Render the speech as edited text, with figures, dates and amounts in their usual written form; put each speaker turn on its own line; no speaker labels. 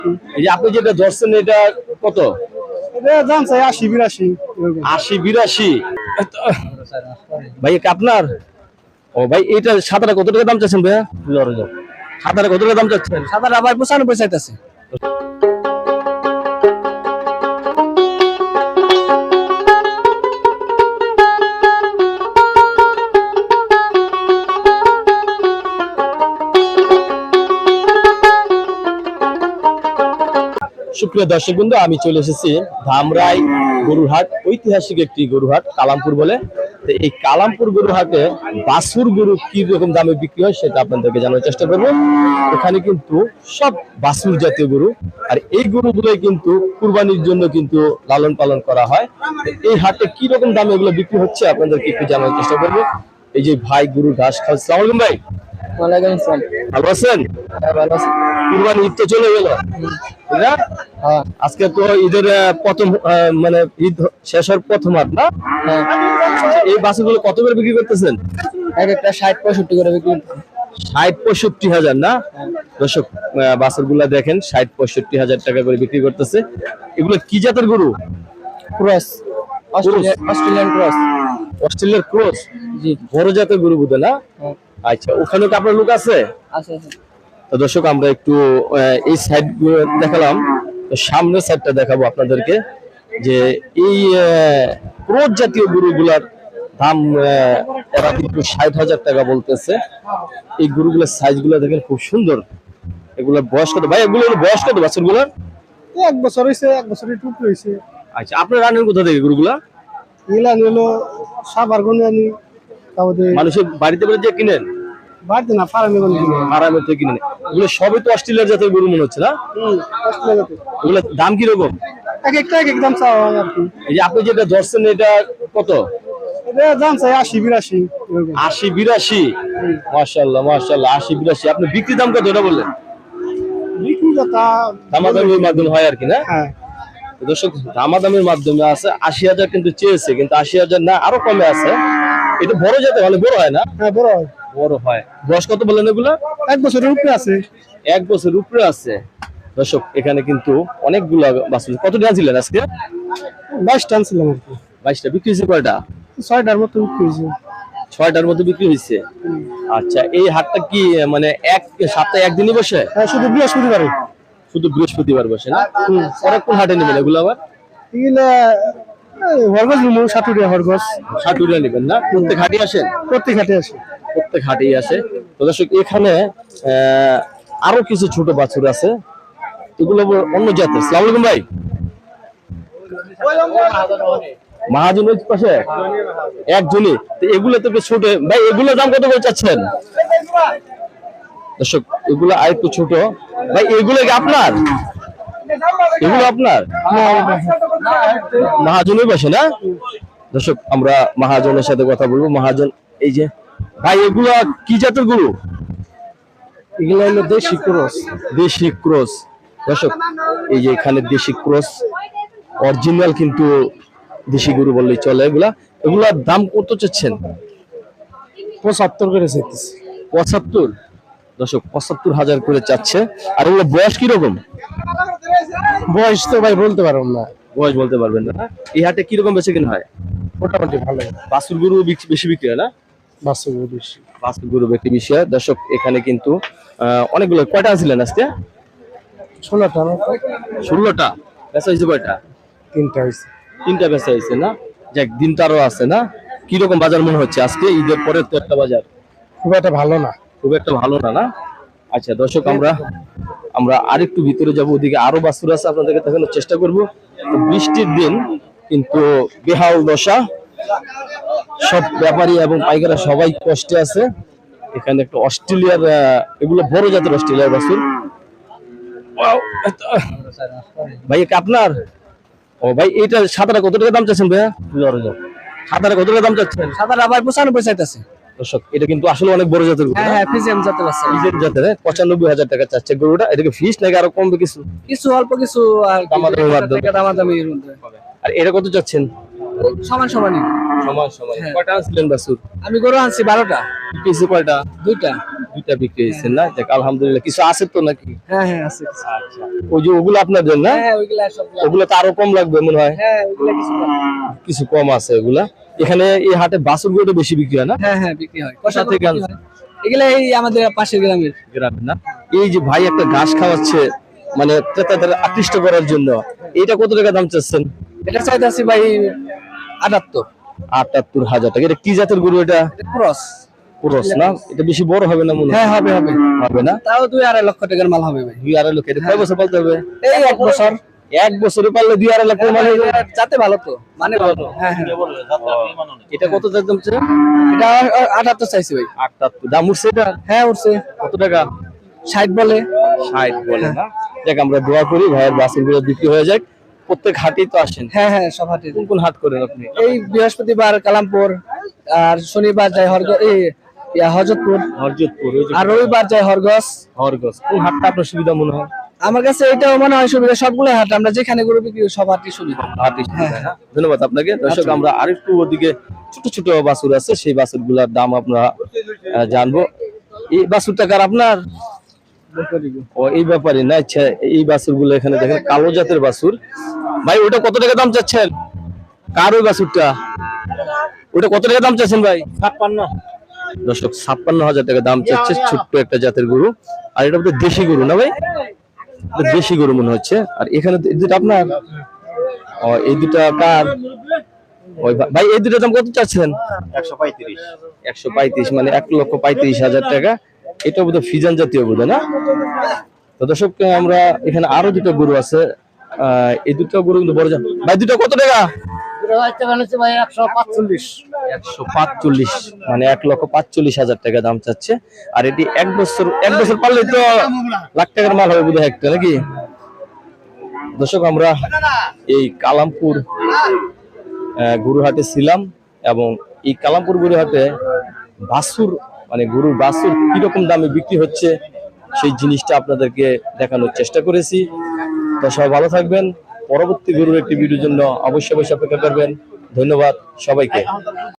এই যে আপনি যেটা ধরছেন এটা কত?
এটা দাম চাই ৮০-৮২।
৮০-৮২। ভাই এটা আপনার? ও ভাই এটা সাদাটা কত টাকা দাম চাচ্ছেন ভাইয়া? সাদাটা কত টাকা দাম চাচ্ছেন?
সাদাটা ভাই ৯৫ চাইতেছে।
সুপ্রিয় দর্শক বন্ধু, আমি চলে এসেছি ধামরাই গরুরহাট, ঐতিহাসিক একটি গরুহাট কালামপুর বলে। তো এই কালামপুর গরুহাটে বাছুর গরু কি রকম দামে বিক্রি হয় সেটা আপনাদেরকে জানার চেষ্টা করবো। এখানে কিন্তু সব বাছুর জাতীয় গরু, আর এই গরুগুলোই কিন্তু কুরবানির জন্য কিন্তু লালন পালন করা হয়। এই হাটে কি রকম দামে এগুলো বিক্রি হচ্ছে আপনাদেরকে একটু জানার চেষ্টা করবো। এই যে ভাই গরুর ঘাস খাওয়া। আসসালামু আলাইকুম ভাই।
ওয়ালাইকুম আসসালাম।
ভালো আছেন?
হ্যাঁ, ভালো আছি।
কুরবানি ঈদ তো চলে গেল,
হ্যাঁ
আজকে তো ঈদের প্রথম মানে ঈদ শেষ হওয়ার প্রথম হাট না?
হ্যাঁ।
এই বাছুরগুলো কত করে বিক্রি করতেছেন?
এক একটা ৬০-৬৫ করে বিক্রি।
৬০-৬৫ হাজার না? দর্শক বাছুরগুলা দেখেন ৬০-৬৫ হাজার টাকা করে বিক্রি করতেছে। এগুলো কি জাতের গরু?
Cross, Australian cross.
অস্ট্রেলিয়ার ক্রস?
জি।
বড় জাতের গরু বুঝে না? আচ্ছা, ওখানে কি আপনার লোক আছে?
আছে।
তো দর্শক আমরা একটু এই সাইড দেখালাম, সামনের সাইডটা দেখাবো আপনাদেরকে যে এই ক্রস জাতীয় গরুগুলার দাম এরা কিন্তু ৬০,০০০ টাকা বলতেছে। এই গরুগুলোর সাইজ গুলো দেখেন খুব সুন্দর। এগুলোর বয়স কত ভাই? এগুলোর বয়স কত বাছুরগুলোর?
১ বছর হইছে, ১ বছরের টুক হইছে।
আচ্ছা, আপনার রানের কোথা থেকে গরুগুলা?
এগুলা হলো সাবার গুনে আনি, তারপরে
মানুষের বাড়িতে বাড়িতে যে কিনেন?
বাড়িতে না, ফার্মে গুনে কিনে।
ফার্মে থেকে কিনেন? এগুলো সবই তো অস্ট্রেলিয়ার জাতের গরু মনে হচ্ছে না?
অস্ট্রেলিয়া জাতের।
এগুলোর দাম কিরকম?
এক একটা এক এক দাম চাওয়া হয় আর কি।
এই যে আপনি যেটা ধরছেন এটা কত?
এটা দাম চাই ৮০-৮২।
৮০-৮২। মাশাআল্লাহ মাশাআল্লাহ, ৮০-৮২। আপনি বিক্রি দাম কত এটা বললেন?
বিক্রি কথা
দামাদামির মাধ্যমে হয় আর কি না?
হ্যাঁ।
দর্শক দামাদামির মাধ্যমে আছে। ৮০,০০০ কিন্তু চেয়েছে, কিন্তু ৮০,০০০ না, আরো কমে আছে। এটা বড় জাতের, মানে বড় হয় না?
হ্যাঁ, বড় হয়।
বড় হয়। বয়স কত বললেন এগুলা?
১ বছরের উপরে আছে।
১ বছর উপরে আছে। দর্শক এখানে কিন্তু অনেকগুলা বাছুর। কত টাকা ছিলেন আজকে?
২২ টান ছিলাম আর কি।
২২টা বিক্রি হয়েছে কয়টা?
৬টার মতো বিক্রি হয়েছে।
৬টার মতো বিক্রি হয়েছে। আচ্ছা, এই হাটটা কি মানে এক সপ্তাহে একদিনই বসে?
হ্যাঁ, শুধু বৃহস্পতিবারে।
শুধু বৃহস্পতিবার বসে না? পরে কোন হাটে নেবেন এগুলো আবার?
এগুলা হরগজ নিমু, সাটুরিয়া হরগজ।
সাটুরিয়া নেবেন না? প্রত্যেক হাটে আসেন?
প্রত্যেক হাটে আসে।
প্রত্যেক হাটেই আসে। তো দর্শক এখানে আরো কিছু ছোট বাছুর আছে, এগুলো অন্য জাতের। আসসালামু আলাইকুম ভাই। মহাজনের পাশে একজনই? এগুলো তো ছোট ভাই, এগুলোর দাম কত করে চাচ্ছেন? দর্শক এগুলো আরেকটু ছোট ভাই। এগুলো কি আপনার? এগুলো আপনার? মহাজনের পাশে না? দর্শক আমরা মহাজনের সাথে কথা বলবো। মহাজন, এই যে ভাই এগুলা কি জাতের গরু?
এগুলা হলো দেশি ক্রস।
দেশি ক্রস। দর্শক এই যে এখানে দেশি ক্রস, অরিজিনাল কিন্তু দেশি গরু বললেই চলে। এগুলার দাম কত চাচ্ছেন?
৭৫ করে চাইতেছে।
৭৫? দর্শক ৭৫,০০০ করে চাচ্ছে। আর এগুলো বয়স কিরকম?
বয়স তো ভাই বলতে পারব না।
বয়স বলতে পারবেন না? এই হাটে কিরকম বেচে কেনা হয়?
মোটামুটি ভালো।
বাছুর গরু বেশি বিক্রি হয় না?
বাছুর বেশি।
বাছুর গরু বিক্রি বেশি হয়। দর্শক এখানে কিন্তু অনেকগুলো। কয়টা ছিলেন আজকে?
১৬টা।
১৬টা বেচা হয়েছে? কয়টা?
৩টা হয়েছে।
৩টা বেচা হয়েছে না? যাক, দিন তো আরো আছে না? কিরকম বাজার মনে হচ্ছে আজকে? ঈদের পরে তো একটা বাজার
খুব একটা ভালো না।
খুব একটা ভালো না না? আচ্ছা দর্শক আমরা আরেকটু ভিতরে যাব, ওদিকে আরো বাছুর আছে, আপনাদেরকে দেখানোর চেষ্টা করব। বৃষ্টির দিন কিন্তু বেহাল দশা, সব ব্যাপারী এবং পাইকাররা সবাই কষ্টে আছে। এখানে একটা অস্ট্রেলিয়ার, এগুলো বড় জাতের অস্ট্রেলিয়ার বাছুর। ভাই এটা আপনার? ও ভাই, এটা সাদাটা কত টাকা দাম চাচ্ছেন ভাইয়া? সাদাটা কত টাকা দাম চাচ্ছেন?
সাদাটা ভাই ৯৫ চাইতেছে।
দর্শক এটা কিন্তু আসলে অনেক বড় জাতের গরু।
হ্যাঁ, ফিজিয়াম জাতের আছে।
ফিজিয়াম জাতের। ৯৫,০০০ টাকা চাচ্ছে গরুটা। এটাকে ফিস নাকি আরো কমবে কিছু?
কিছু অল্প কিছু আর
দামাদামির মাধ্যমে।
দামাদামির মধ্যে।
আর এটা কত চাচ্ছেন?
সমান সমানই।
সমান সমান। কয়টা আনছিলেন বাছুর?
আমি গরু আনছি ১২টা।
পিসে কয়টা?
২টা।
দুইটা বিক্রি হয়েছে না? যাক আলহামদুলিল্লাহ। কিছু আছে তো নাকি?
হ্যাঁ হ্যাঁ আছে
আচ্ছা, ওই যে ওগুলো আপনাদের না?
হ্যাঁ ওইগুলা সব
ওগুলো তো আরো কম লাগবে মনে হয়।
হ্যাঁ ওইগুলা কিছু
কিছু কম আছে ওগুলা। এখানে এই হাটে বাছুর গরুটা বেশি বিক্রি হয় না?
হ্যাঁ হ্যাঁ বিক্রি হয়
কোথা থেকে আনছেন?
এগুলা এই আমাদের পাশের গ্রামের
গ্রামে না? এই যে ভাই একটা ঘাস খাওয়াচ্ছে মানে ক্রেতাদের আকৃষ্ট করার জন্য, এটা কত টাকা দাম চাচ্ছেন?
এটা চাইতাছি ভাই 78
78,000 টাকা। এটা কি জাতের গরু? এটা
ক্রস
পুরস না? এটা বেশি বড় হবে না মনে হয়?
হ্যাঁ হবে হবে
হবে না?
তাও 2-2.5 লক্ষ টাকার মাল হবে ভাই
2-2.5 লক্ষ। এটা কয় বছর পালতে হবে?
এই 1 বছর
এক বছরে পারলে 2-2.5 লক্ষ মানে
যাতে ভালো তো মানে ভালো হ্যাঁ হ্যাঁ
এটা কত দাম চাচ্ছে?
এটা 78 চাইছি ভাই
78 দাম উঠছে এটা?
হ্যাঁ উঠছে
কত টাকা?
60 বলে
60 বলে না? দেখ আমরা দোয়া করি ভাইয়ের বাছুরগুলো বিক্রি হয়ে যাক। প্রত্যেক হাটেই তো আসেন।
হ্যাঁ হ্যাঁ সব হাটে
কোন কোন হাট করেন আপনি?
এই বৃহস্পতিবার কালামপুর আর শনিবার যায় হজরতপুর
হরজতপুর, ওই যে
আর রবিবার যায় হরগস
হরগস। কোন হাটটা আপনার সুবিধা মনে হয়?
আমার কাছে এটাও মনে হয় সুবিধা সবগুলো হাট আমরা যেখানে গরু বিক্রি করি সব হাটই সুবিধা
হাটই সুবিধা না? ধন্যবাদ আপনাকে। দর্শক আমরা আরেকটু ওদিকে ছোট ছোট বাছুর আছে, সেই বাছুরগুলোর দাম আমরা জানবো। এই বাছুরটা কার আপনার? ও এই ব্যাপারে না? আচ্ছা, এই বাছুরগুলো এখানে দেখেন কালো জাতের বাছুর। ভাই ওটা কত টাকা দাম চাচ্ছেন? কার ওই বাছুরটা? ওটা কত টাকা দাম চাচ্ছেন ভাই?
56
দর্শক 56,000 টাকা দাম চাচ্ছে, ছোট্ট একটা জাতের গরু। আর এটা বোধহয় দেশি গরু না ভাই? এটা দেশি গরু মনে হচ্ছে। আর এখানে এই দুটো আপনার? ও এই দুটা কার? ওই ভাই এই দুটোর দাম কত চাচ্ছেন? 135 মানে 1,35,000 টাকা। এটা বোধহয় ফিজান জাতীয় বোধহয় না? তো দর্শক আমরা এখানে আরো দুটো গরু আছে। এই দুটো গরু কিন্তু বড় জাত। ভাই দুটো কত টাকা? 145 মানে 1,45,000 টাকা দাম চাচ্ছে। আর এটি এক বছর পারলে তো লাখ টাকার মাল হবে বোধহয় একটা, নাকি? দর্শক আমরা এই কালামপুর গরুহাটে ছিলাম এবং এই কালামপুর গরুহাটে বাছুর মানে গরুর বাছুর কিরকম দামে বিক্রি হচ্ছে সেই জিনিসটা আপনাদেরকে দেখানোর চেষ্টা করেছি। তো সবাই ভালো থাকবেন। পরবর্তী গরুর একটি ভিডিওর জন্য অবশ্যই অপেক্ষা করবেন। ধন্যবাদ সবাইকে।